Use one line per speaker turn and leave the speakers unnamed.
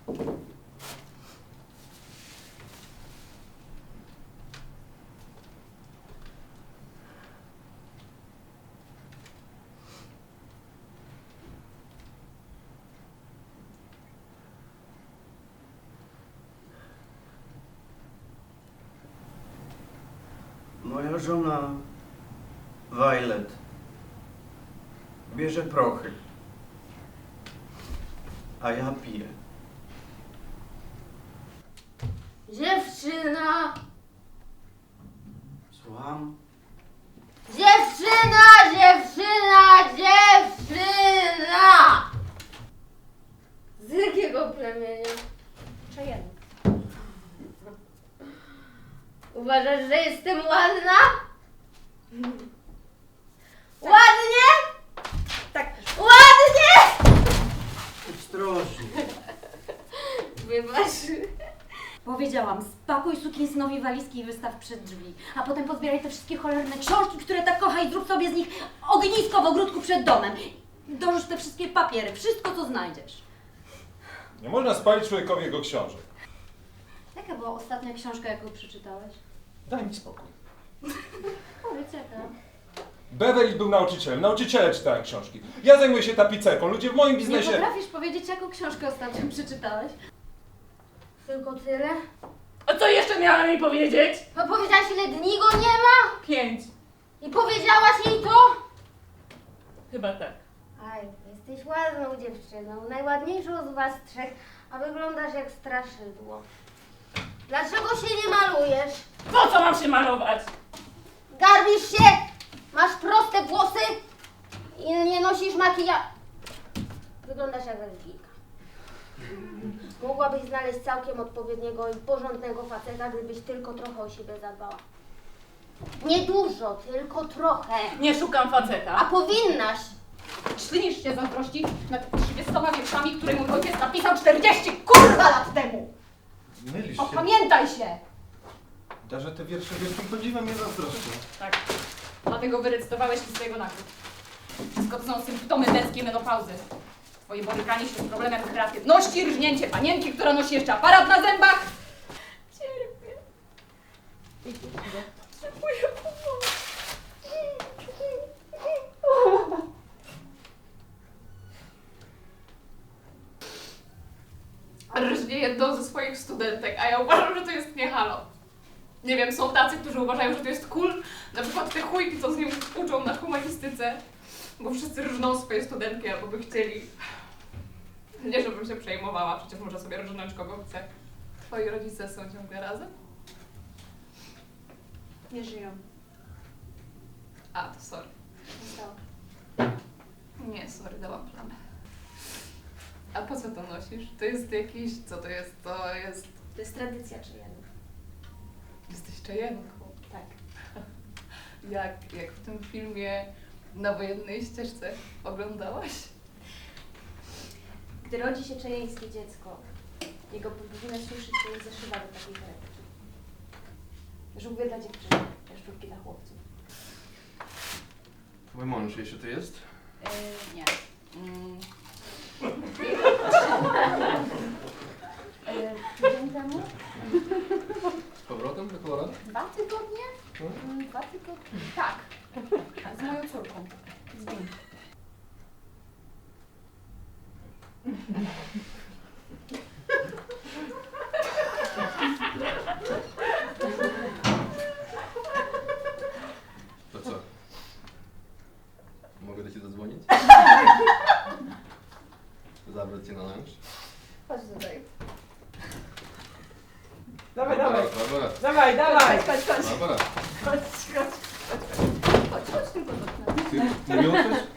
Moja żona Violet bierze prochy, a ja piję.
Dziewczyna!
Słucham?
Dziewczyna! Dziewczyna! Dziewczyna! Z jakiego plemienia?
Cheyenne.
Uważasz, że jestem ładna? Ładnie?
Tak.
Ładnie!
Ostrożnie.
Wybacz.
Powiedziałam, spakuj sukinsynowi walizki i wystaw przed drzwi, a potem pozbieraj te wszystkie cholerne książki, które tak kocha i zrób sobie z nich ognisko w ogródku przed domem. Dorzuć te wszystkie papiery, wszystko co znajdziesz.
Nie można spalić człowiekowi jego książek.
Jaka była ostatnia książka, jaką przeczytałeś?
Daj mi spokój.
Powiedz jaka.
Beverly był nauczycielem, nauczyciele czytają książki. Ja zajmuję się tapicerką, ludzie w moim
Nie
biznesie...
potrafisz powiedzieć, jaką książkę ostatnio przeczytałeś?
Tylko tyle?
A co jeszcze miała mi powiedzieć?
A powiedziałaś, ile dni go nie ma?
5.
I powiedziałaś jej to?
Chyba tak.
Aj, jesteś ładną dziewczyną, najładniejszą z was trzech, a wyglądasz jak straszydło. Dlaczego się nie malujesz?
Po co mam się malować?
Garbisz się? Masz proste włosy? I nie nosisz makijażu? Wyglądasz jak religijka. Mogłabyś znaleźć całkiem odpowiedniego i porządnego faceta, gdybyś tylko trochę o siebie zadbała. Nie dużo, tylko trochę.
Nie szukam
A
faceta.
powinnaś.
Ślinisz się zazdrości nad 30 wierszami, które mój ojciec napisał 40 kurwa lat temu!
Mylisz się.
Opamiętaj się!
Darze, te wiersze wielkim podziwem mnie zazdroszczą.
Tak. Dlatego wyrecytowałeś mi swojego nagród. Wszystko to są symptomy męskiej menopauzy. Twoje borykanie się z problemem kreatywności, rżnięcie panienki, która nosi jeszcze aparat na zębach. Cierpię. Potrzebuję pomocy. Rżnie jedną ze swoich studentek, a ja uważam, że to jest nie halo. Nie wiem, są tacy, którzy uważają, że to jest cool. Na przykład te chujki, co z nim uczą na humanistyce. Bo wszyscy rżną swoje studentki, albo by chcieli. Nie, żebym się przejmowała, przecież może sobie rżnąć kogo chce. Twoi rodzice są ciągle razem?
Nie żyją.
A, to sorry.
Zostało.
Nie, sorry, dałam plamę. A po co to nosisz? To jest jakiś... Co to jest? To jest...
To jest tradycja Cheyenne.
Jesteś czajenką.
Tak.
Jak w tym filmie Na wojennej ścieżce oglądałaś?
Gdy rodzi się czejeńskie dziecko, jego powinno słyszeć się zaszywa do takiej torebki. Żółwie dla dziewczyny, jaszczurki dla chłopców.
Mój mąż jeszcze tu jest?
Nie.
Tydzień temu?
Z powrotem do Kolorado?
2 tygodnie? 2 tygodnie? Tak. Z moją córką. Z Bim.
To co? Mogę do ciebie zadzwonić? Zabrać cię na lunch?
Chodź tutaj.
Dawaj,
Barbara,
dawaj.
Barbara.
Dawaj, dawaj.
Barbara,
Chodź tylko do
ty nie uczysz?